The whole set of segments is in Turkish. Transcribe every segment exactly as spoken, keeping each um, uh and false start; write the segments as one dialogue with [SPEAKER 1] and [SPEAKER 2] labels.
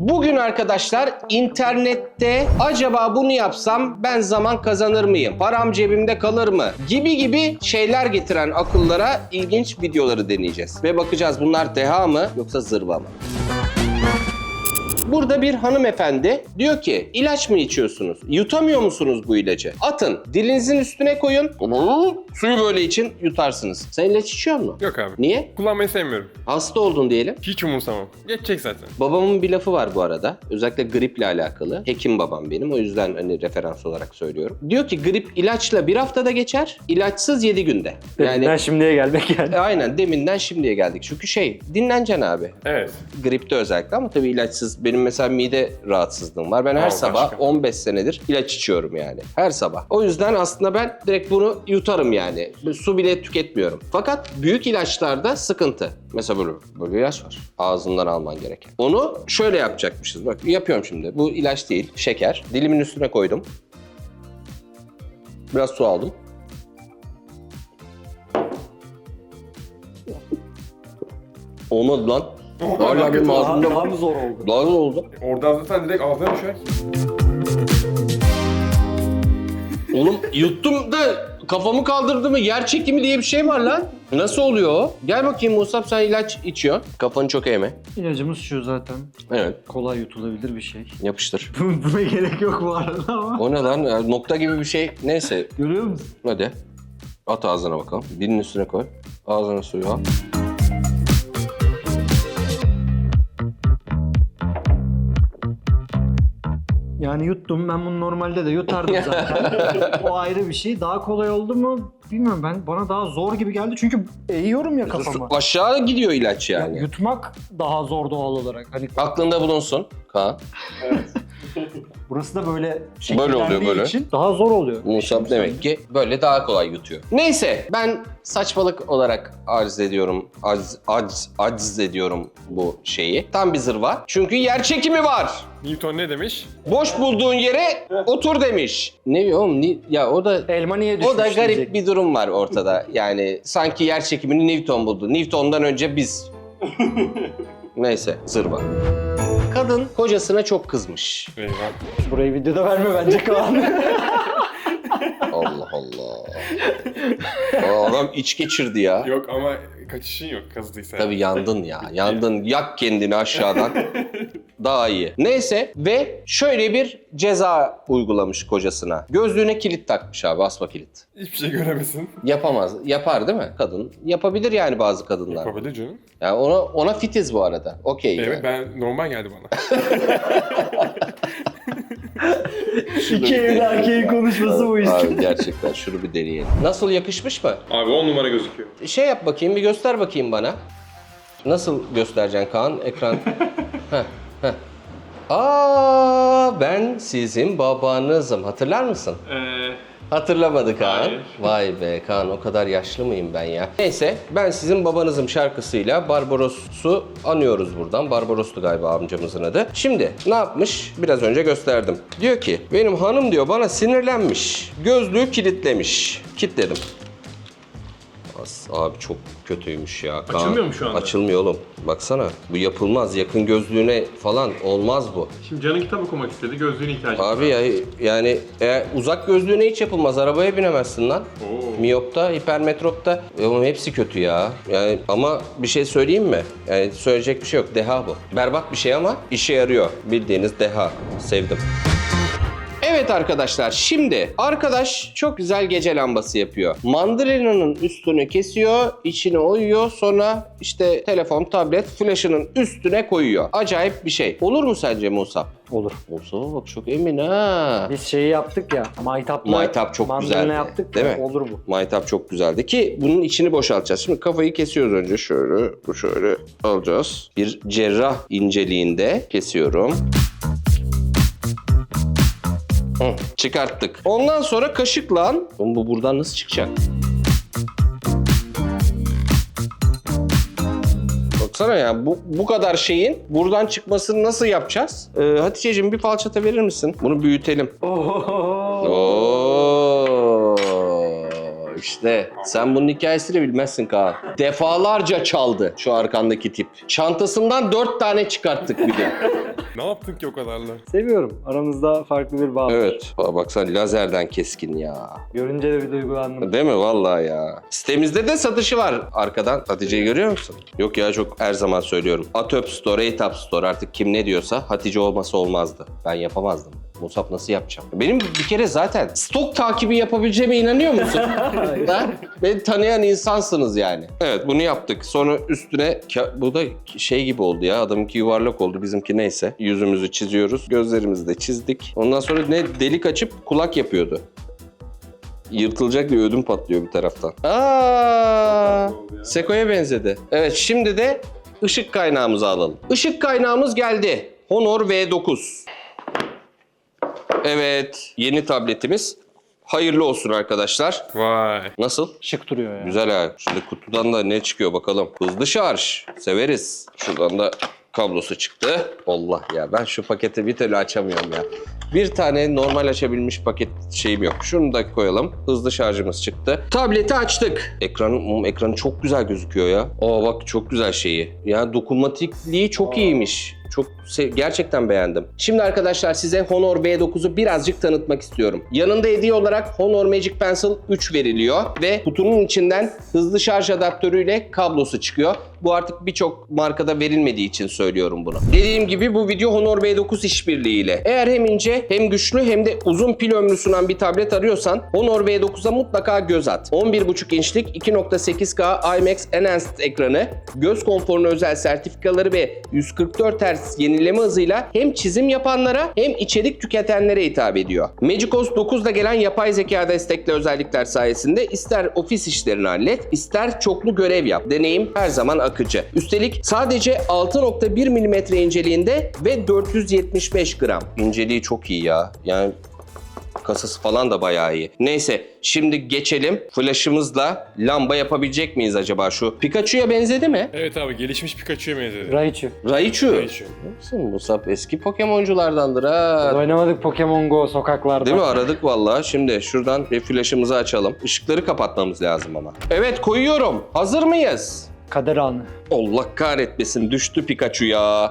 [SPEAKER 1] Bugün arkadaşlar internette acaba bunu yapsam ben zaman kazanır mıyım? Param cebimde kalır mı? Gibi gibi şeyler getiren akıllara ilginç videoları deneyeceğiz. Ve bakacağız bunlar deha mı yoksa zırva mı? Burada bir hanımefendi diyor ki ilaç mı içiyorsunuz? Yutamıyor musunuz bu ilacı? Atın, dilinizin üstüne koyun. Suyu böyle için yutarsınız. Sen ilaç içiyor musun?
[SPEAKER 2] Yok abi.
[SPEAKER 1] Niye?
[SPEAKER 2] Kullanmayı sevmiyorum.
[SPEAKER 1] Hasta oldun diyelim.
[SPEAKER 2] Hiç umursamam. Geçecek zaten.
[SPEAKER 1] Babamın bir lafı var bu arada. Özellikle griple alakalı. Hekim babam benim. O yüzden hani referans olarak söylüyorum. Diyor ki grip ilaçla bir haftada geçer, ilaçsız yedi günde.
[SPEAKER 3] Deminden şimdiye gelmek yani.
[SPEAKER 1] Aynen deminden şimdiye geldik. Çünkü şey dinleneceksin abi.
[SPEAKER 2] Evet.
[SPEAKER 1] Gripte özellikle ama tabii ilaçsız. Benim mesela mide rahatsızlığım var. Ben her
[SPEAKER 2] Aa,
[SPEAKER 1] sabah
[SPEAKER 2] başka.
[SPEAKER 1] on beş senedir ilaç içiyorum yani. Her sabah. O yüzden aslında ben direkt bunu yutarım yani. Su bile tüketmiyorum. Fakat büyük ilaçlarda sıkıntı. Mesela böyle, böyle ilaç var. Ağzından alman gereken. Onu şöyle yapacakmışız. Bak yapıyorum şimdi. Bu ilaç değil. Şeker. Dilimin üstüne koydum. Biraz su aldım. Olmadı lan. Hala benim ağzımda
[SPEAKER 3] Daha mı zor oldu?
[SPEAKER 1] Daha zor oldu.
[SPEAKER 2] Oradan zaten direkt ağzına düşer.
[SPEAKER 1] Oğlum yuttum da kafamı kaldırdı mı yer çekimi diye bir şey var lan. Nasıl oluyor o? Gel bakayım Musab, sen ilaç içiyorsun. Kafanı çok eğme.
[SPEAKER 3] İlacımız şu zaten.
[SPEAKER 1] Evet,
[SPEAKER 3] Kolay yutulabilir bir şey.
[SPEAKER 1] yapıştır.
[SPEAKER 3] Buna gerek yok bu arada ama.
[SPEAKER 1] O ne lan? Ya, nokta gibi bir şey. Neyse
[SPEAKER 3] Görüyor musun?
[SPEAKER 1] hadi. At ağzına bakalım. Dilin üstüne koy. Ağzına suyu al.
[SPEAKER 3] Yani yuttum. Ben bunu normalde de yutardım zaten. O ayrı bir şey. Daha kolay oldu mu bilmiyorum, ben bana daha zor gibi geldi çünkü eğiyorum ya kafamı.
[SPEAKER 1] Aşağı gidiyor ilaç
[SPEAKER 3] Ya,
[SPEAKER 1] yani.
[SPEAKER 3] yutmak daha zor doğal olarak. Hani
[SPEAKER 1] Aklında bulunsun Kaan.
[SPEAKER 3] burası da böyle
[SPEAKER 1] Böyle
[SPEAKER 3] şekillendiği
[SPEAKER 1] oluyor böyle.
[SPEAKER 3] için daha zor oluyor.
[SPEAKER 1] Musab demek ki böyle daha kolay yutuyor. Neyse ben saçmalık olarak arz ediyorum, arz, arz, arz ediyorum bu şeyi. Tam bir zırva. Çünkü yer çekimi var.
[SPEAKER 2] Newton ne demiş?
[SPEAKER 1] Boş bulduğun yere otur demiş. Ne diyor oğlum? Ni- Ya o da
[SPEAKER 3] Elma niye düşmüş
[SPEAKER 1] o da garip
[SPEAKER 3] diyecek.
[SPEAKER 1] bir durum var ortada. Yani sanki yer çekimini Newton buldu. Newton'dan önce biz. Neyse zırva. Kadın kocasına çok kızmış.
[SPEAKER 2] Eyvah.
[SPEAKER 3] Burayı videoda verme bence Kaan.
[SPEAKER 1] Allah Allah. Aa, adam iç geçirdi ya.
[SPEAKER 2] Yok ama kaçışın yok kazıdıysa.
[SPEAKER 1] Tabii yandın ya. Yandın. Yak kendini aşağıdan. Daha iyi. Neyse ve şöyle bir ceza uygulamış kocasına. Gözlüğüne kilit takmış abi. Asma kilit.
[SPEAKER 2] Hiçbir şey göremesin.
[SPEAKER 1] Yapamaz. Yapar değil mi kadın? Yapabilir yani bazı kadınlar.
[SPEAKER 2] Yapabilir canım.
[SPEAKER 1] Yani ona ona fitiz bu arada. Okey.
[SPEAKER 2] Evet,
[SPEAKER 1] yani.
[SPEAKER 2] ben normal geldi bana.
[SPEAKER 3] İki evli erkeğin konuşması bu işte.
[SPEAKER 1] Abi gerçekten şunu bir deneyelim. Nasıl, yakışmış mı?
[SPEAKER 2] Abi on numara gözüküyor.
[SPEAKER 1] Şey yap bakayım, bir göster bakayım bana. Nasıl göstereceksin Kaan? Ekran. Heh, heh. Aa, ben sizin babanızım. Hatırlar mısın?
[SPEAKER 2] Eee...
[SPEAKER 1] Hatırlamadı Kaan.
[SPEAKER 2] Hayır.
[SPEAKER 1] Vay be Kaan, o kadar yaşlı mıyım ben ya? Neyse, ben sizin babanızım şarkısıyla Barbaros'u anıyoruz buradan. Barbaros'tu galiba amcamızın adı. Şimdi ne yapmış? Biraz önce gösterdim. Diyor ki, benim hanım diyor bana sinirlenmiş. Gözlüğü kilitlemiş. Kilitledim. As- Abi çok kötüymüş ya. Kaan.
[SPEAKER 2] Açılmıyor mu şu anda?
[SPEAKER 1] Açılmıyor oğlum. Baksana. Bu yapılmaz. Yakın gözlüğüne falan olmaz bu.
[SPEAKER 2] Şimdi canın kitap okumak istedi, gözlüğüne ihtiyacı var.
[SPEAKER 1] Abi ya yani eğer uzak gözlüğüne hiç yapılmaz. Arabaya binemezsin lan.
[SPEAKER 2] Oo.
[SPEAKER 1] Miyopta, hipermetropta. E oğlum hepsi kötü ya. Yani ama bir şey söyleyeyim mi? Yani söyleyecek bir şey yok. Deha bu. Berbat bir şey ama işe yarıyor. Bildiğiniz deha. Sevdim. Evet arkadaşlar, şimdi arkadaş çok güzel gece lambası yapıyor. Mandalina'nın üstünü kesiyor, içine oyuyor, sonra işte telefon, tablet, flaşının üstüne koyuyor. Acayip bir şey. Olur mu sence Musab?
[SPEAKER 3] Olur.
[SPEAKER 1] Olsa bak çok emin ha.
[SPEAKER 3] Biz şeyi yaptık ya, maytapla
[SPEAKER 1] Maytap çok
[SPEAKER 3] mandalina
[SPEAKER 1] güzeldi,
[SPEAKER 3] yaptık
[SPEAKER 1] değil
[SPEAKER 3] ya,
[SPEAKER 1] mi?
[SPEAKER 3] olur bu.
[SPEAKER 1] Maytap çok güzeldi ki bunun içini boşaltacağız. Şimdi kafayı kesiyoruz önce şöyle, bu şöyle alacağız. Bir cerrah inceliğinde kesiyorum. Hı, çıkarttık. Ondan sonra kaşıkla... Oğlum bu buradan nasıl çıkacak? Baksana ya bu, bu kadar şeyin buradan çıkmasını nasıl yapacağız? Ee, Hatice'cim bir falçata verir misin? Bunu büyütelim.
[SPEAKER 3] Oo.
[SPEAKER 1] Oo, İşte sen bunun hikayesini bilmezsin Kaan. Defalarca çaldı şu arkandaki tip. Çantasından dört tane çıkarttık bir de.
[SPEAKER 2] Ne yaptın ki o kadarla?
[SPEAKER 3] Seviyorum. Aramızda farklı bir bağ var.
[SPEAKER 1] Evet. Aa, baksana lazerden keskin ya.
[SPEAKER 3] Görünce de bir duygulandım.
[SPEAKER 1] Değil mi? Vallahi ya. Sitemizde de satışı var arkadan. Hatice'yi görüyor musun? Yok ya, çok her zaman söylüyorum. Atop Store, Etap Store, artık kim ne diyorsa Hatice olmasa olmazdı. Ben yapamazdım. Musab nasıl yapacağım? Benim bir kere zaten stok takibi yapabileceğime inanıyor musun? Ha? Beni tanıyan insansınız yani. Evet, bunu yaptık. Sonra üstüne bu da şey gibi oldu ya. Adamınki yuvarlak oldu, bizimki neyse. Yüzümüzü çiziyoruz, gözlerimizi de çizdik. Ondan sonra ne delik açıp kulak yapıyordu. Yırtılacak bir ödüm patlıyor bir taraftan. Aa, Seko'ya benzedi. Evet, şimdi de ışık kaynağımızı alalım. Işık kaynağımız geldi. Honor V dokuz. Evet, yeni tabletimiz. Hayırlı olsun arkadaşlar.
[SPEAKER 2] Vay.
[SPEAKER 1] Nasıl?
[SPEAKER 3] Şık duruyor ya.
[SPEAKER 1] Güzel ha. Şimdi kutudan da ne çıkıyor bakalım. Hızlı şarj. Severiz. Şuradan da kablosu çıktı. Allah ya, ben şu paketi bir türlü açamıyorum ya. Bir tane normal açabilmiş paket şeyim yok. Şunu da koyalım. Hızlı şarjımız çıktı. Tableti açtık. Ekranı, ekranı çok güzel gözüküyor ya. Aa bak, çok güzel şeyi. Ya dokunmatikliği çok iyiymiş. Çok gerçekten beğendim. Şimdi arkadaşlar size Honor V dokuzu birazcık tanıtmak istiyorum. Yanında hediye olarak Honor Magic Pencil üç veriliyor ve kutunun içinden hızlı şarj adaptörüyle kablosu çıkıyor. Bu artık birçok markada verilmediği için söylüyorum bunu. Dediğim gibi bu video Honor V dokuz işbirliğiyle. Eğer hem ince hem güçlü hem de uzun pil ömrü sunan bir tablet arıyorsan Honor V dokuza mutlaka göz at. on bir buçuk inçlik iki nokta sekiz K IMAX Enhanced ekranı, göz konforuna özel sertifikaları ve yüz kırk dört hertz yenileme hızıyla hem çizim yapanlara hem içerik tüketenlere hitap ediyor. MagicOS dokuzda gelen yapay zeka destekli özellikler sayesinde ister ofis işlerini hallet, ister çoklu görev yap. Deneyim her zaman akıcı. Üstelik sadece altı nokta bir milimetre inceliğinde ve dört yüz yetmiş beş gram. İnceliği çok iyi ya. Yani kasası falan da bayağı iyi. Neyse, şimdi geçelim. Flaşımızla lamba yapabilecek miyiz acaba şu? Pikachu'ya benzedi mi?
[SPEAKER 2] Evet abi, gelişmiş Pikachu'ya benzedi.
[SPEAKER 3] Raichu.
[SPEAKER 1] Raichu.
[SPEAKER 2] Raichu.
[SPEAKER 1] Nasıl Musab eski Pokemonculardandır ha.
[SPEAKER 3] Oynamadık Pokemon Go sokaklarda.
[SPEAKER 1] Değil mi? Aradık vallahi. Şimdi şuradan bir flaşımızı açalım. Işıkları kapatmamız lazım ama. Evet, koyuyorum. Hazır mıyız?
[SPEAKER 3] Kader anı.
[SPEAKER 1] Allah kahretmesin, düştü Pikachu ya.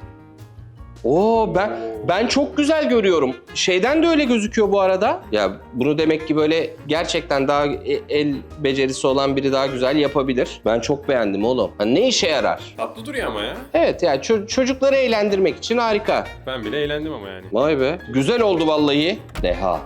[SPEAKER 1] Oo, ben ben çok güzel görüyorum. Şeyden de öyle gözüküyor bu arada. Ya bunu demek ki böyle gerçekten daha el becerisi olan biri daha güzel yapabilir. Ben çok beğendim oğlum. Ha, ne işe yarar?
[SPEAKER 2] Tatlı duruyor ama ya.
[SPEAKER 1] Evet yani ço- çocukları eğlendirmek için harika.
[SPEAKER 2] Ben bile eğlendim ama yani.
[SPEAKER 1] Vay be. Güzel oldu vallahi. Deha.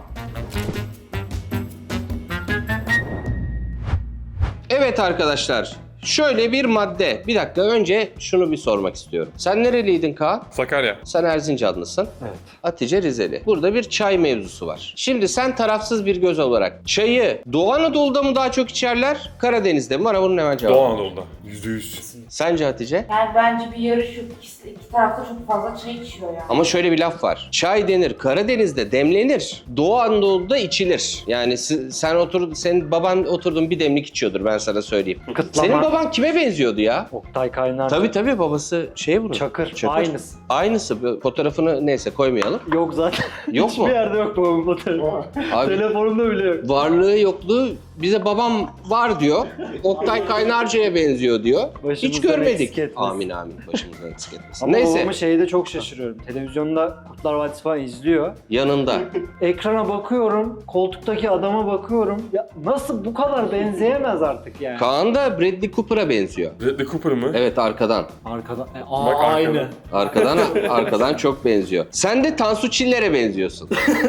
[SPEAKER 1] Evet arkadaşlar. Şöyle bir madde. Bir dakika, önce şunu bir sormak istiyorum. Sen nereliydin Kaan?
[SPEAKER 2] Sakarya.
[SPEAKER 1] Sen Erzincanlısın.
[SPEAKER 3] Evet.
[SPEAKER 1] Hatice Rizeli. Burada bir çay mevzusu var. Şimdi sen tarafsız bir göz olarak çayı Doğu Anadolu'da mı daha çok içerler, Karadeniz'de mi? Bana bunun hemen cevabı.
[SPEAKER 2] Doğu Anadolu'da. Yüzde yüz.
[SPEAKER 1] Sence Hatice?
[SPEAKER 4] Yani bence bir yarış yok. İkisi, iki tarafta çok fazla çay içiyor yani.
[SPEAKER 1] Ama şöyle bir laf var. Çay denir, Karadeniz'de demlenir. Doğu Anadolu'da içilir. Yani si- sen otur, senin baban oturdun bir demlik içiyordur, ben sana söyleyeyim.
[SPEAKER 3] Kıtlama.
[SPEAKER 1] Senin baban kime benziyordu ya?
[SPEAKER 3] Oktay Kaynar.
[SPEAKER 1] Tabii tabii, babası şey bunun.
[SPEAKER 3] Çakır. Aynısı.
[SPEAKER 1] Aynısı. Bu fotoğrafını neyse koymayalım.
[SPEAKER 3] Yok zaten.
[SPEAKER 1] Yok mu?
[SPEAKER 3] Hiçbir yerde yok babamın fotoğrafı.
[SPEAKER 1] Abi,
[SPEAKER 3] Telefonumda bile yok.
[SPEAKER 1] varlığı yokluğu bize babam var diyor. Oktay Kaynarca'ya benziyor diyor. Hiç
[SPEAKER 3] Başımızdan
[SPEAKER 1] görmedik.
[SPEAKER 3] eksik etmesin.
[SPEAKER 1] Amin amin. Başımızdan eksik etmesin.
[SPEAKER 3] Ama
[SPEAKER 1] Neyse,
[SPEAKER 3] babamı şeyde çok şaşırıyorum. Televizyonda Kurtlar Vadisi falan izliyor.
[SPEAKER 1] yanında.
[SPEAKER 3] Ekrana bakıyorum, koltuktaki adama bakıyorum. Ya nasıl bu kadar benzeyemez artık yani.
[SPEAKER 1] Kaan da Bradley Cooper'a benziyor.
[SPEAKER 2] Bradley Cooper mı?
[SPEAKER 1] Evet, arkadan.
[SPEAKER 3] Arkadan. E, aa,
[SPEAKER 2] Bak arkadan.
[SPEAKER 3] aynı.
[SPEAKER 1] Arkadan arkadan çok benziyor. Sen de Tansu Çiller'e benziyorsun.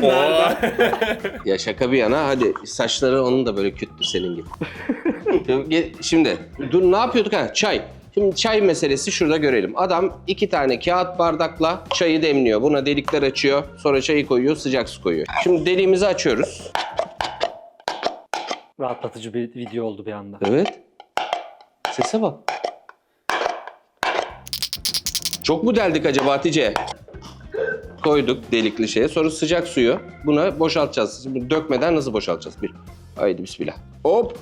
[SPEAKER 1] Ya şaka bir yana, hadi saçları onun da böyle kütlü senin gibi. Şimdi dur, ne yapıyorduk ha? Çay. Şimdi çay meselesi şurada görelim. Adam iki tane kağıt bardakla çayı demliyor. Buna delikler açıyor. Sonra çayı koyuyor, sıcak su koyuyor. Şimdi deliğimizi açıyoruz.
[SPEAKER 3] Rahatlatıcı bir video oldu bir anda.
[SPEAKER 1] Evet. Sese bak. Çok mu deldik acaba Hatice? Koyduk delikli şeye. Sonra sıcak suyu buna boşaltacağız. Şimdi dökmeden nasıl boşaltacağız? Bir. Haydi bismillah. Hop.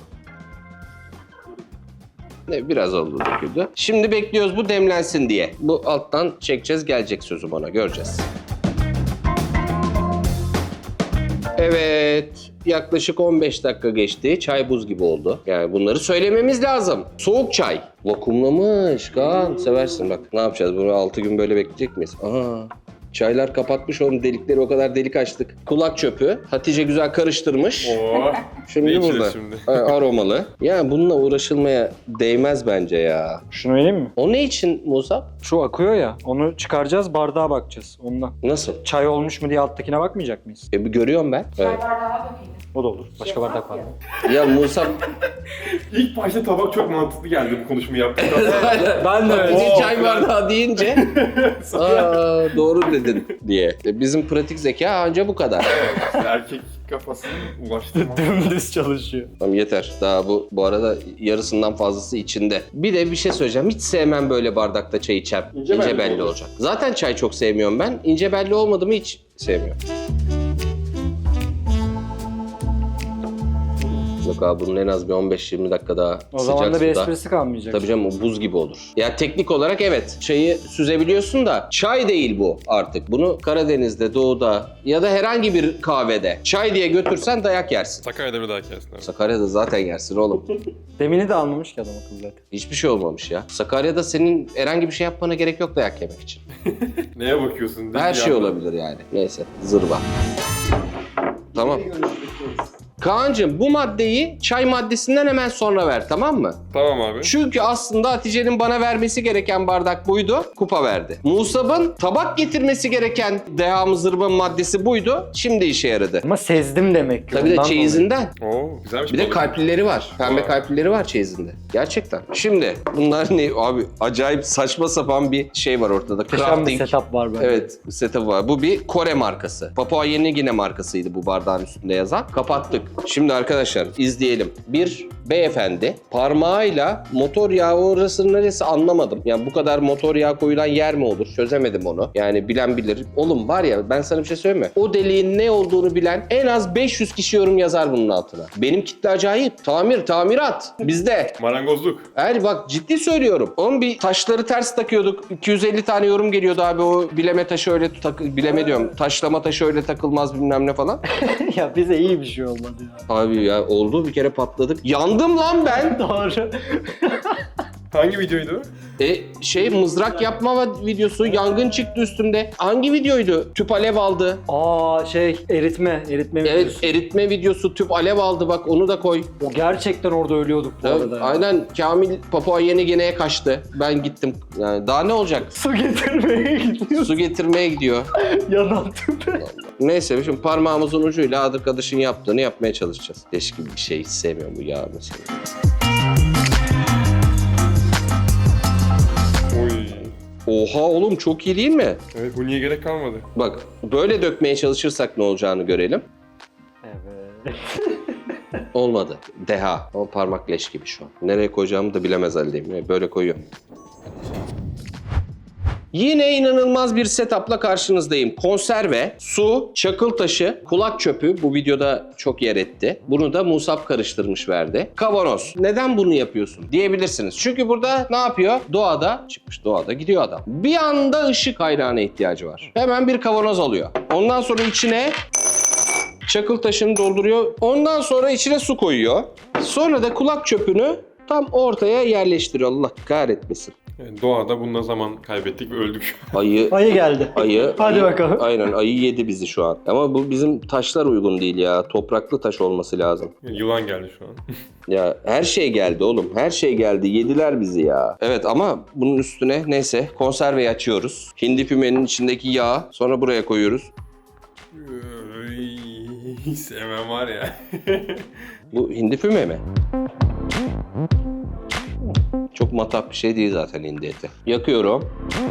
[SPEAKER 1] Ne, biraz oldu döküldü. Şimdi bekliyoruz bu demlensin diye. Bu alttan çekeceğiz, gelecek sözüm ona, göreceğiz. Evet. Yaklaşık on beş dakika geçti. Çay buz gibi oldu. Yani bunları söylememiz lazım. Soğuk çay. Vakumlamış. Kaan seversin bak. Ne yapacağız? Bunu altı gün böyle bekleyecek miyiz? Aa. Çaylar kapatmış oğlum, delikleri o kadar delik açtık. Kulak çöpü. Hatice güzel karıştırmış.
[SPEAKER 2] Oo.
[SPEAKER 1] Şimdi
[SPEAKER 2] Ne
[SPEAKER 1] burada.
[SPEAKER 2] içeceğiz şimdi?
[SPEAKER 1] A- Aromalı. Yani bununla uğraşılmaya değmez bence ya.
[SPEAKER 3] Şunu vereyim mi?
[SPEAKER 1] O ne için Musab?
[SPEAKER 3] Şu akıyor ya. Onu çıkaracağız, bardağa bakacağız ondan.
[SPEAKER 1] Nasıl?
[SPEAKER 3] Çay olmuş mu diye alttakine bakmayacak mıyız?
[SPEAKER 1] E bir görüyorum ben.
[SPEAKER 4] Çay
[SPEAKER 1] Evet.
[SPEAKER 4] bardağı dökelim.
[SPEAKER 3] O da olur. Başka
[SPEAKER 4] Şey
[SPEAKER 3] bardak var
[SPEAKER 4] ya.
[SPEAKER 3] mı?
[SPEAKER 1] Ya Musab
[SPEAKER 2] İlk başta tabak çok mantıklı geldi bu konuşmayı yaptıktan sonra.
[SPEAKER 3] Ben de
[SPEAKER 1] Hatice
[SPEAKER 2] Oo,
[SPEAKER 1] çay
[SPEAKER 2] biraz-
[SPEAKER 1] bardağı deyince aa doğru dedin diye. E, bizim pratik zeka anca bu kadar.
[SPEAKER 2] Erkek kafasını ulaştırma.
[SPEAKER 3] Dümdüz çalışıyor.
[SPEAKER 1] Tamam yeter. Daha bu bu arada yarısından fazlası içinde. Bir de bir şey söyleyeceğim. Hiç sevmem böyle bardakta çay içer.
[SPEAKER 2] İnce
[SPEAKER 1] İnce,
[SPEAKER 2] belli
[SPEAKER 1] belli
[SPEAKER 2] olur.
[SPEAKER 1] olacak. Zaten çay çok sevmiyorum ben. İnce belli olmadı mı hiç sevmiyorum. Yok abi bunun en az bir on beş yirmi dakika daha
[SPEAKER 3] O
[SPEAKER 1] sıcak
[SPEAKER 3] zaman da bir
[SPEAKER 1] suda.
[SPEAKER 3] esprisi kalmayacak.
[SPEAKER 1] Tabii canım o buz gibi olur. Ya teknik olarak evet çayı süzebiliyorsun da çay değil bu artık. Bunu Karadeniz'de, Doğu'da ya da herhangi bir kahvede çay diye götürsen dayak yersin.
[SPEAKER 2] Sakarya'da bir daha kesin abi.
[SPEAKER 1] Sakarya'da zaten yersin oğlum.
[SPEAKER 3] Demini de anlamış ki adam akıllı zaten.
[SPEAKER 1] Hiçbir şey olmamış ya. Sakarya'da senin herhangi bir şey yapmana gerek yok dayak yemek için.
[SPEAKER 2] Neye bakıyorsun? değil mi
[SPEAKER 1] Her
[SPEAKER 2] bir
[SPEAKER 1] şey
[SPEAKER 2] yandan?
[SPEAKER 1] olabilir yani. Neyse zırva. Tamam. Kaan'cığım bu maddeyi çay maddesinden hemen sonra ver tamam mı?
[SPEAKER 2] Tamam abi.
[SPEAKER 1] Çünkü aslında Hatice'nin bana vermesi gereken bardak buydu, kupa verdi. Musab'ın tabak getirmesi gereken dehamı zırva maddesi buydu, şimdi işe yaradı.
[SPEAKER 3] Ama sezdim demek ki.
[SPEAKER 1] Tabii de
[SPEAKER 3] ondan
[SPEAKER 1] çeyizinden.
[SPEAKER 2] Oo, güzelmiş.
[SPEAKER 1] Bir de
[SPEAKER 2] balık.
[SPEAKER 1] kalplileri var. Pembe
[SPEAKER 2] Aa.
[SPEAKER 1] kalplileri var çeyizinde. Gerçekten. Şimdi bunlar ne? Abi acayip saçma sapan bir şey var ortada.
[SPEAKER 3] Muhteşem bir
[SPEAKER 1] Crafting.
[SPEAKER 3] setup var bende.
[SPEAKER 1] Evet, setup var. Bu bir Kore markası. Papua Yeni Gine markasıydı bu bardağın üstünde yazan. Kapattık. Şimdi arkadaşlar izleyelim. Bir beyefendi parmağıyla motor yağı orası neresi anlamadım. Yani bu kadar motor yağı koyulan yer mi olur? Çözemedim onu. Yani bilen bilir. Oğlum var ya ben sana bir şey söyleyeyim mi? O deliğin ne olduğunu bilen en az beş yüz kişi yorum yazar bunun altına. Benim kitle acayip. Tamir, tamirat. Bizde.
[SPEAKER 2] Marangozluk.
[SPEAKER 1] Eğer bak ciddi söylüyorum. Onun bir taşları ters takıyorduk. iki yüz elli tane yorum geliyordu abi o bileme taşı öyle tak bileme diyorum. Taşlama taşı öyle takılmaz bilmem ne falan.
[SPEAKER 3] Ya bize iyi bir şey olmadı ya.
[SPEAKER 1] Abi ya oldu bir kere patladık. Yandım lan ben.
[SPEAKER 3] Doğru.
[SPEAKER 2] Hangi videoydu?
[SPEAKER 1] E şey mızrak yapma videosu yangın çıktı üstümde. Hangi videoydu? Tüp alev aldı.
[SPEAKER 3] Aa şey eritme, eritme
[SPEAKER 1] Evet
[SPEAKER 3] videosu.
[SPEAKER 1] eritme videosu tüp alev aldı bak onu da koy.
[SPEAKER 3] O gerçekten orada ölüyorduk bu
[SPEAKER 1] Evet,
[SPEAKER 3] arada. ya.
[SPEAKER 1] aynen Kamil Papua Yeni Gine'ye kaçtı. Ben gittim. Yani daha ne olacak?
[SPEAKER 3] Su getirmeye gidiyor.
[SPEAKER 1] Su getirmeye gidiyor.
[SPEAKER 3] Yanan tüpe.
[SPEAKER 1] Neyse şimdi parmağımızın ucuyla arkadaşın yaptığını yapmaya çalışacağız. Teşkil bir şey hiç sevmiyorum bu yağ mesela.
[SPEAKER 2] Oy.
[SPEAKER 1] Oha oğlum çok iyi değil mi?
[SPEAKER 2] Evet bu niye gerek kalmadı?
[SPEAKER 1] Bak böyle dökmeye çalışırsak ne olacağını görelim.
[SPEAKER 3] Evet.
[SPEAKER 1] Olmadı. Deha. Ama parmak leş gibi şu an. Nereye koyacağımı da bilemez haldeyim. Böyle koyuyorum. Yine inanılmaz bir setup'la karşınızdayım. Konserve, su, çakıl taşı, kulak çöpü bu videoda çok yer etti. Bunu da Musab karıştırmış verdi. Kavanoz. Neden bunu yapıyorsun diyebilirsiniz. Çünkü burada ne yapıyor? Doğada, çıkmış doğada gidiyor adam. Bir anda ışık kaynağına ihtiyacı var. Hemen bir kavanoz alıyor. Ondan sonra içine çakıl taşını dolduruyor. Ondan sonra içine su koyuyor. Sonra da kulak çöpünü tam ortaya yerleştiriyor. Allah kahretmesin.
[SPEAKER 2] Yani doğada bununla zaman kaybettik ve öldük.
[SPEAKER 1] Ayı
[SPEAKER 3] Ayı geldi.
[SPEAKER 1] Ayı.
[SPEAKER 3] Hadi
[SPEAKER 1] ayı-
[SPEAKER 3] bakalım.
[SPEAKER 1] Aynen ayı yedi bizi şu an. Ama bu bizim taşlar uygun değil ya. Topraklı taş olması lazım.
[SPEAKER 2] Yani yılan geldi şu an.
[SPEAKER 1] Ya her şey geldi oğlum. Her şey geldi. Yediler bizi ya. Evet ama bunun üstüne neyse konserveyi açıyoruz. Hindi fümenin içindeki yağı sonra buraya koyuyoruz.
[SPEAKER 2] Ay, sevmem var ya.
[SPEAKER 1] Bu hindi füme mi? Çok matah bir şey değil zaten hindi eti. Yakıyorum.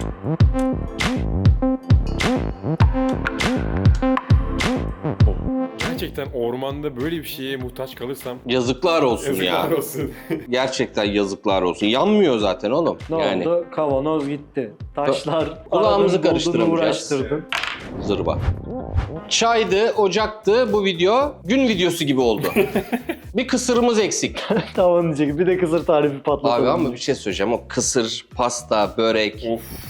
[SPEAKER 2] Gerçekten ormanda böyle bir şeye muhtaç kalırsam
[SPEAKER 1] Yazıklar olsun
[SPEAKER 2] yazıklar
[SPEAKER 1] ya.
[SPEAKER 2] olsun.
[SPEAKER 1] Gerçekten yazıklar olsun. Yanmıyor zaten oğlum.
[SPEAKER 3] Ne
[SPEAKER 1] yani
[SPEAKER 3] oldu? Kavanoz gitti. Taşlar.
[SPEAKER 1] Kulağımızı
[SPEAKER 3] aradın, buldun,
[SPEAKER 1] karıştıramayacağız.
[SPEAKER 3] uğraştırdın.
[SPEAKER 1] zırva. Çaydı, ocaktı. Bu video gün videosu gibi oldu. Bir kısırımız eksik.
[SPEAKER 3] Tamam diyecek. Bir de kısır tarifi patlatalım.
[SPEAKER 1] Abi ama bir şey söyleyeceğim. O kısır, pasta, börek.
[SPEAKER 2] Of.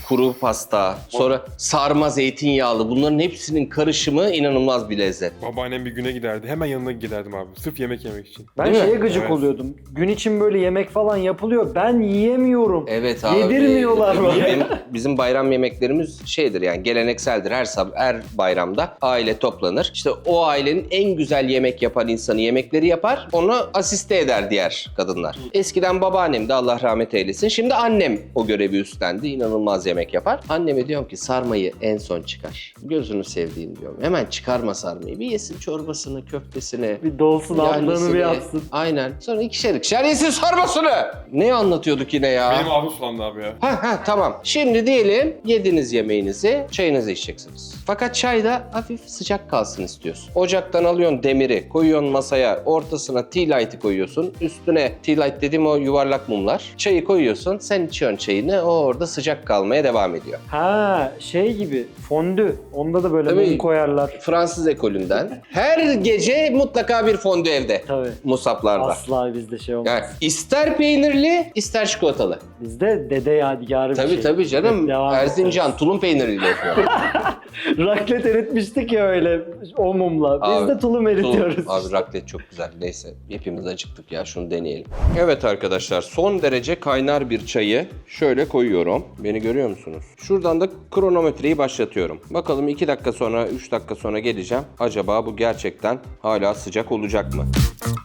[SPEAKER 1] kuru pasta, sonra sarma zeytinyağlı. Bunların hepsinin karışımı inanılmaz bir lezzet.
[SPEAKER 2] Babaannem bir güne giderdi. Hemen yanına giderdim abi. Sırf yemek yemek için.
[SPEAKER 3] Ben
[SPEAKER 1] Değil mi?
[SPEAKER 3] şeye gıcık
[SPEAKER 2] Evet.
[SPEAKER 3] oluyordum. Gün için böyle yemek falan yapılıyor. Ben yiyemiyorum.
[SPEAKER 1] Evet abi.
[SPEAKER 3] Yedirmiyorlar bana.
[SPEAKER 1] Bizim, bizim bayram yemeklerimiz şeydir yani gelenekseldir. Her sab her bayramda aile toplanır. İşte o ailenin en güzel yemek yapan insanı yemekleri yapar. Onu asiste eder diğer kadınlar. Eskiden babaannem de Allah rahmet eylesin. Şimdi annem o görevi üstlendi. İnanılmaz yemek yapar. Anneme diyorum ki sarmayı en son çıkar. Gözünü sevdiğim diyorum. Hemen çıkarma sarmayı. Bir yesin çorbasını, köftesini.
[SPEAKER 3] Bir dolsun aldığını
[SPEAKER 1] yahnisini.
[SPEAKER 3] bir yapsın.
[SPEAKER 1] Aynen. Sonra ikişer ikişer yesin sarmasını. Ne anlatıyorduk yine ya?
[SPEAKER 2] Benim ağzım sulandı abi ya.
[SPEAKER 1] Ha ha tamam. Şimdi diyelim yediniz yemeğinizi, çayınızı içeceksiniz. Fakat çay da hafif sıcak kalsın istiyorsun. Ocaktan alıyorsun demiri, koyuyorsun masaya, ortasına tea light'ı koyuyorsun. Üstüne tea light dediğim o yuvarlak mumlar. Çayı koyuyorsun, sen içiyorsun çayını, o orada sıcak kalmaya devam ediyor.
[SPEAKER 3] Ha şey gibi fondü. Onda da böyle
[SPEAKER 1] Tabii.
[SPEAKER 3] mum koyarlar.
[SPEAKER 1] Fransız ekolünden. Her gece mutlaka bir fondü evde.
[SPEAKER 3] Tabii.
[SPEAKER 1] Musaplarda.
[SPEAKER 3] Asla bizde şey olmaz.
[SPEAKER 1] Yani ister peynirli, ister çikolatalı.
[SPEAKER 3] Bizde dede yadigarı bir
[SPEAKER 1] Tabii
[SPEAKER 3] şey.
[SPEAKER 1] tabii canım.
[SPEAKER 3] Evet, devam
[SPEAKER 1] Erzincan tulum peyniriyle yapıyor.
[SPEAKER 3] ederiz. Raklet eritmiştik ya öyle o mumla. Biz
[SPEAKER 1] Abi,
[SPEAKER 3] de tulum eritiyoruz.
[SPEAKER 1] Tulum. Abi raklet çok güzel. Neyse hepimiz acıktık ya, şunu deneyelim. Evet arkadaşlar, son derece kaynar bir çayı şöyle koyuyorum. Beni görüyor musunuz? Şuradan da kronometreyi başlatıyorum. Bakalım iki dakika sonra, üç dakika sonra geleceğim. Acaba bu gerçekten hala sıcak olacak mı?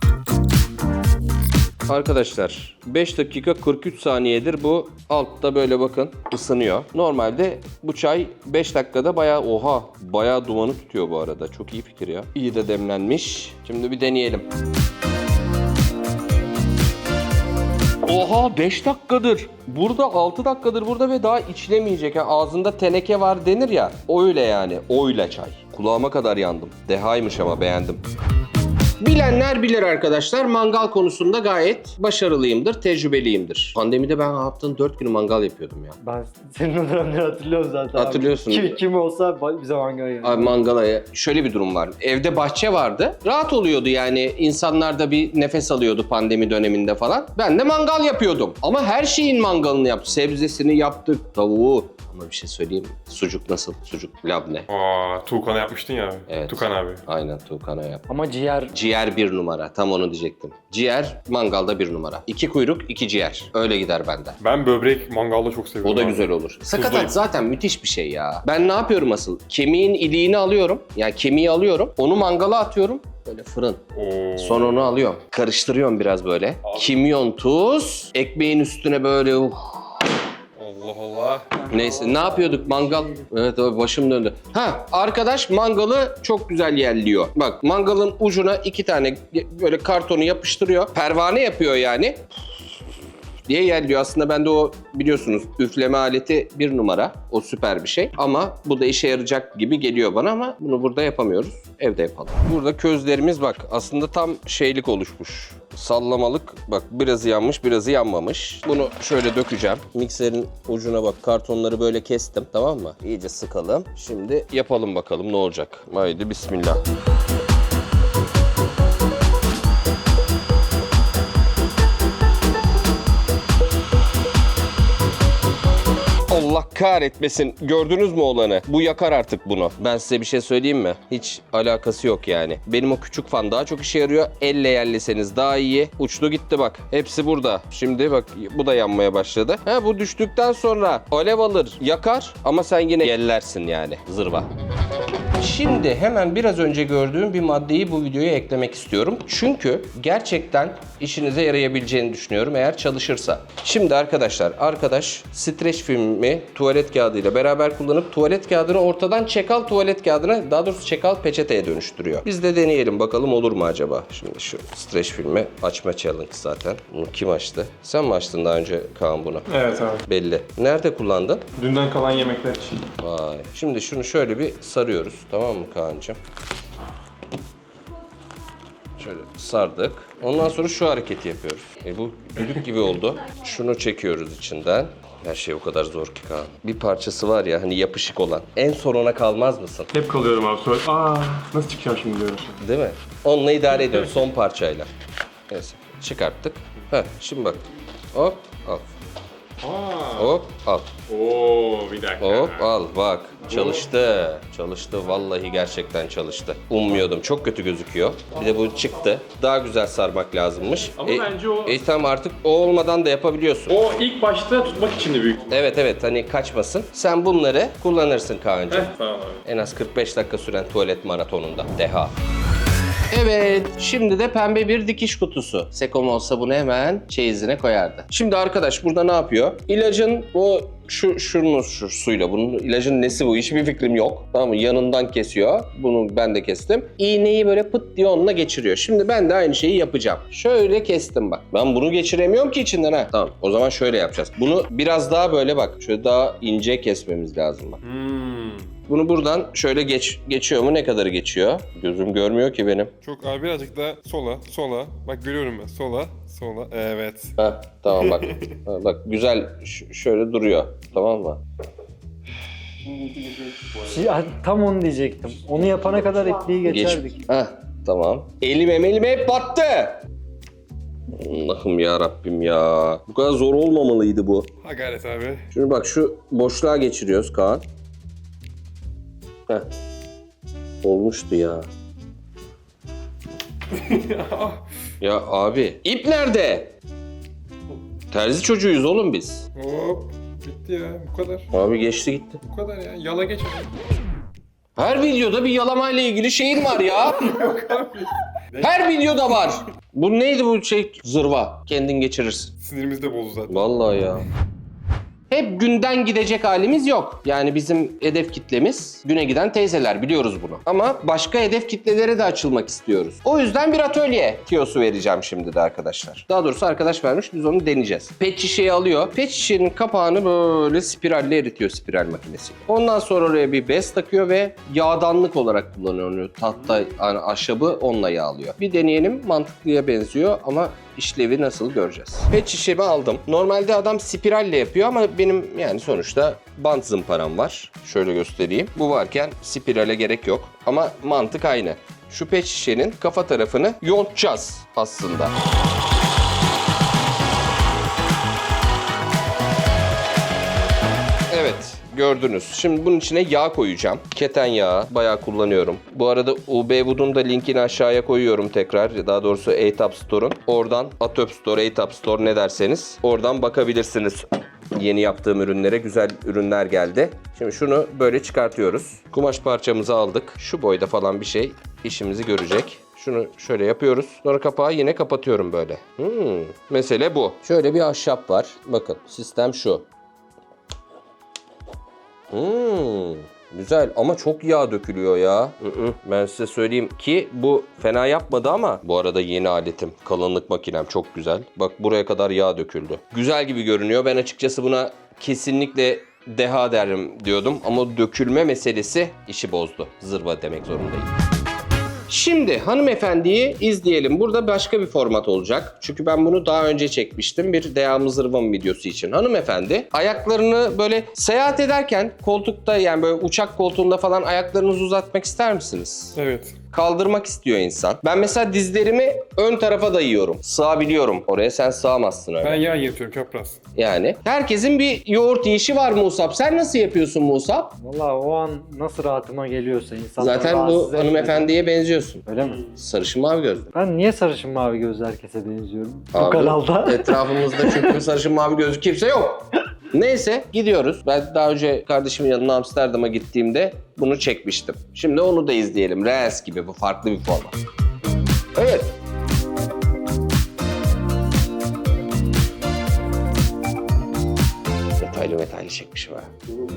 [SPEAKER 1] Arkadaşlar beş dakika kırk üç saniyedir bu altta böyle bakın ısınıyor. Normalde bu çay beş dakikada bayağı oha bayağı dumanı tutuyor bu arada. Çok iyi fikir ya. İyi de demlenmiş. Şimdi bir deneyelim. Oha beş dakikadır. Burada altı dakikadır burada ve daha içilemeyecek. Yani ağzında teneke var denir ya. Öyle yani. Öyle çay. Kulağıma kadar yandım. Dehaymış ama beğendim. Bilenler bilir arkadaşlar. Mangal konusunda gayet başarılıyımdır, tecrübeliyimdir. Pandemide ben haftanın dört günü mangal yapıyordum ya.
[SPEAKER 3] Ben senin o dönemleri hatırlıyorum zaten.
[SPEAKER 1] Hatırlıyorsun.
[SPEAKER 3] Kim, kim olsa bize mangala yani.
[SPEAKER 1] Abi mangala şöyle bir durum var. Evde bahçe vardı. Rahat oluyordu yani. İnsanlar da bir nefes alıyordu pandemi döneminde falan. Ben de mangal yapıyordum. Ama her şeyin mangalını yaptık. Sebzesini yaptık, tavuğu. Ama bir şey söyleyeyim mi? Sucuk nasıl? Sucuk labne.
[SPEAKER 2] Aa, Tuğkan'a yapmıştın ya.
[SPEAKER 1] Evet.
[SPEAKER 2] Tuğkan abi.
[SPEAKER 1] Aynen Tuğkan'a yap.
[SPEAKER 3] Ama ciğer
[SPEAKER 1] Ciğer bir numara. Tam onu diyecektim. Ciğer mangalda bir numara. İki kuyruk, iki ciğer. Öyle gider bende.
[SPEAKER 2] Ben böbrek mangalda çok seviyorum.
[SPEAKER 1] O da
[SPEAKER 2] abi.
[SPEAKER 1] güzel olur. Sakatat
[SPEAKER 2] Tuzlayıp.
[SPEAKER 1] zaten müthiş bir şey ya. Ben ne yapıyorum asıl? Kemiğin iliğini alıyorum. Yani kemiği alıyorum. Onu mangala atıyorum. Böyle fırın.
[SPEAKER 2] Oo.
[SPEAKER 1] Sonra onu alıyorum. Karıştırıyorum biraz böyle. Kimyon, tuz. Ekmeğin üstüne böyle uh.
[SPEAKER 2] Allah Allah.
[SPEAKER 1] Neyse ne yapıyorduk mangal? Evet abi başım döndü. Ha arkadaş mangalı çok güzel yerliyor. Bak mangalın ucuna iki tane böyle kartonu yapıştırıyor. Pervane yapıyor yani. Diye yerliyor. Aslında bende o biliyorsunuz üfleme aleti bir numara. O süper bir şey. Ama bu da işe yarayacak gibi geliyor bana ama bunu burada yapamıyoruz. Evde yapalım. Burada közlerimiz bak aslında tam şeylik oluşmuş. Sallamalık. Bak birazı yanmış, birazı yanmamış. Bunu şöyle dökeceğim. Mikserin ucuna bak kartonları böyle kestim, tamam mı? İyice sıkalım. Şimdi yapalım bakalım ne olacak. Haydi bismillah. Allah kahretmesin. Gördünüz mü olanı? Bu yakar artık bunu. Ben size bir şey söyleyeyim mi? Hiç alakası yok yani. Benim o küçük fan daha çok işe yarıyor. Elle yerliseniz daha iyi. Uçtu gitti bak. Hepsi burada. Şimdi bak bu da yanmaya başladı. Ha bu düştükten sonra alev alır, yakar ama sen yine yellersin yani. Zırva. Şimdi hemen biraz önce gördüğüm bir maddeyi bu videoya eklemek istiyorum. Çünkü gerçekten işinize yarayabileceğini düşünüyorum eğer çalışırsa. Şimdi arkadaşlar, arkadaş streç filmi tuvalet kağıdıyla beraber kullanıp tuvalet kağıdını ortadan çekal tuvalet kağıdına, daha doğrusu çekal peçeteye dönüştürüyor. Biz de deneyelim bakalım olur mu acaba? Şimdi şu streç filmi açma challenge zaten. Bunu kim açtı? Sen mi açtın daha önce Kaan bunu?
[SPEAKER 2] Evet abi.
[SPEAKER 1] Belli. Nerede kullandın?
[SPEAKER 2] Dünden kalan yemekler için.
[SPEAKER 1] Vay. Şimdi şunu şöyle bir sarıyoruz. Tamam mı Kaan'cığım? Şöyle sardık. Ondan sonra şu hareketi yapıyoruz. E bu düdük gibi oldu. Şunu çekiyoruz içinden. Her şey o kadar zor ki Kaan. Bir parçası var ya hani yapışık olan. En son ona kalmaz mısın?
[SPEAKER 2] Hep kalıyorum abi sonra. Aa, nasıl çıkacağım şimdi diyorum.
[SPEAKER 1] Değil mi? Onunla idare ediyoruz son parçayla. Neyse çıkarttık. Heh, şimdi bak. Hop al.
[SPEAKER 2] Aa.
[SPEAKER 1] Hop al.
[SPEAKER 2] Oo bir dakika.
[SPEAKER 1] Hop al bak. Çalıştı. Çalıştı. Vallahi gerçekten çalıştı. Ummuyordum. Çok kötü gözüküyor. Bir de bu çıktı. Daha güzel sarmak lazımmış.
[SPEAKER 2] Ama bence o-
[SPEAKER 1] E tamam artık o olmadan da yapabiliyorsun.
[SPEAKER 2] O ilk başta tutmak için de büyük.
[SPEAKER 1] Evet evet hani kaçmasın. Sen bunları kullanırsın Kaan'cığım.
[SPEAKER 2] Heh, tamam abi.
[SPEAKER 1] En az kırk beş dakika süren tuvalet maratonunda. Deha. Evet, şimdi de pembe bir dikiş kutusu. Sekom olsa bunu hemen çeyizine koyardı. Şimdi arkadaş burada ne yapıyor? İlacın bu şu şunun şu suyla bunun ilacın nesi bu? Hiçbir fikrim yok. Tamam mı? Yanından kesiyor. Bunu ben de kestim. İğneyi böyle pıt diye onunla geçiriyor. Şimdi ben de aynı şeyi yapacağım. Şöyle kestim bak. Ben bunu geçiremiyorum ki içinden ha. Tamam. O zaman şöyle yapacağız. Bunu biraz daha böyle bak. Şöyle daha ince kesmemiz lazım bak.
[SPEAKER 2] Hmm.
[SPEAKER 1] Bunu buradan şöyle geç geçiyor mu? Ne kadarı geçiyor? Gözüm görmüyor ki benim.
[SPEAKER 5] Çok abi birazcık da sola, sola. Bak görüyorum ben. Sola, sola. Evet.
[SPEAKER 1] Ha tamam bak. Ha, bak güzel ş- şöyle duruyor. Tamam mı?
[SPEAKER 3] Şey, tam onu diyecektim. Onu yapana kadar ipliği
[SPEAKER 1] Geç.
[SPEAKER 3] geçerdik.
[SPEAKER 1] Ha tamam. Elim elim hep battı. Allah'ım ya Rabbim ya. Bu kadar zor olmamalıydı bu.
[SPEAKER 5] Ha gayret abi.
[SPEAKER 1] Şimdi bak şu boşluğa geçiriyoruz Kaan. Heh. Olmuştu ya. Ya abi ip nerede? Terzi çocuğuyuz oğlum biz.
[SPEAKER 5] Hop. Bitti ya. Bu kadar.
[SPEAKER 1] Abi geçti gitti.
[SPEAKER 5] Bu kadar ya. Yala geç abi.
[SPEAKER 1] Her videoda bir yalamayla ilgili şeyin var ya. Her videoda var. Bu neydi bu şey? Zırva. Kendin geçirirsin.
[SPEAKER 5] Sinirimiz de bozdu zaten.
[SPEAKER 1] Vallahi ya. Hep günden gidecek halimiz yok. Yani bizim hedef kitlemiz güne giden teyzeler, biliyoruz bunu. Ama başka hedef kitlelere de açılmak istiyoruz. O yüzden bir atölye tiyosu vereceğim şimdi de arkadaşlar. Daha doğrusu arkadaş vermiş, biz onu deneyeceğiz. Pet şişeyi alıyor. Pet şişenin kapağını böyle spiralle eritiyor spiral makinesiyle. Ondan sonra oraya bir bez takıyor ve yağdanlık olarak kullanıyor onu. Tahta yani ahşabı onunla yağlıyor. Bir deneyelim, mantıklıya benziyor ama işlevi nasıl göreceğiz. Pet şişemi aldım. Normalde adam spiralle yapıyor ama benim yani sonuçta bant zımparam var. Şöyle göstereyim. Bu varken spirale gerek yok. Ama mantık aynı. Şu pet şişenin kafa tarafını yontacağız aslında. Evet. Gördünüz. Şimdi bunun içine yağ koyacağım. Keten yağı bayağı kullanıyorum. Bu arada U B Wood'un da linkini aşağıya koyuyorum tekrar. Daha doğrusu A T A P Store'un. Oradan A T A P Store, A T A P Store ne derseniz oradan bakabilirsiniz. Yeni yaptığım ürünlere güzel ürünler geldi. Şimdi şunu böyle çıkartıyoruz. Kumaş parçamızı aldık. Şu boyda falan bir şey işimizi görecek. Şunu şöyle yapıyoruz. Sonra kapağı yine kapatıyorum böyle. Hmm, mesele bu. Şöyle bir ahşap var. Bakın sistem şu. Hmm, güzel ama çok yağ dökülüyor ya. Hı hı. Ben size söyleyeyim ki bu fena yapmadı ama bu arada yeni aletim. Kalınlık makinem çok güzel. Bak buraya kadar yağ döküldü. Güzel gibi görünüyor. Ben açıkçası buna kesinlikle deha derim diyordum ama dökülme meselesi işi bozdu. Zırva demek zorundayım. Şimdi hanımefendiyi izleyelim. Burada başka bir format olacak. Çünkü ben bunu daha önce çekmiştim. Bir devamlı zırvam videosu için. Hanımefendi ayaklarını böyle seyahat ederken koltukta yani böyle uçak koltuğunda falan ayaklarınızı uzatmak ister misiniz?
[SPEAKER 5] Evet.
[SPEAKER 1] Kaldırmak istiyor insan. Ben mesela dizlerimi ön tarafa dayıyorum. Sığabiliyorum. Oraya sen sığamazsın öyle.
[SPEAKER 5] Ben yağ yırtıyorum çapraz.
[SPEAKER 1] Yani. Herkesin bir yoğurt yiyişi var Musab. Sen nasıl yapıyorsun Musab?
[SPEAKER 3] Valla o an nasıl rahatıma geliyorsa insanlar
[SPEAKER 1] Zaten bu
[SPEAKER 3] rahatsız etmeden-
[SPEAKER 1] hanımefendiye benziyorsun.
[SPEAKER 3] Öyle mi?
[SPEAKER 1] Sarışın mavi gözlü.
[SPEAKER 3] Ben niye sarışın mavi gözlü herkese benziyorum? Bu
[SPEAKER 1] Abi,
[SPEAKER 3] kanalda.
[SPEAKER 1] Etrafımızda çünkü sarışın mavi gözlü kimse yok. Neyse gidiyoruz. Ben daha önce kardeşimin yanına Amsterdam'a gittiğimde bunu çekmiştim. Şimdi onu da izleyelim. Reels gibi, bu farklı bir format. Evet. Detaylı detaylı çekmişim ha.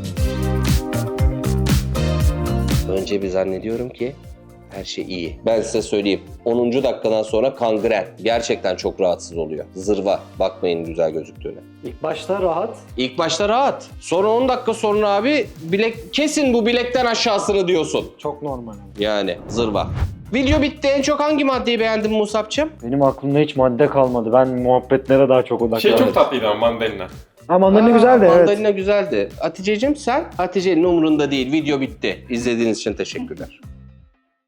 [SPEAKER 1] Önce bir zannediyorum ki her şey iyi. Ben size söyleyeyim. onuncu dakikadan sonra kangren. Gerçekten çok rahatsız oluyor. Zırva. Bakmayın güzel gözüktüğüne.
[SPEAKER 3] İlk başta rahat.
[SPEAKER 1] İlk başta rahat. Sonra on dakika sonra abi bilek kesin bu bilekten aşağısını diyorsun.
[SPEAKER 3] Çok normal.
[SPEAKER 1] Yani zırva. Video bitti. En çok hangi maddeyi beğendin Musab'cığım?
[SPEAKER 3] Benim aklımda hiç madde kalmadı. Ben muhabbetlere daha çok odaklandım.
[SPEAKER 2] Şey çok tatlıydı ama mandalina.
[SPEAKER 3] Ha mandalina
[SPEAKER 1] Aa,
[SPEAKER 3] güzeldi evet.
[SPEAKER 1] Mandalina güzeldi. Hatice'cim sen? Hatice'nin umurunda değil. Video bitti. İzlediğiniz için teşekkürler.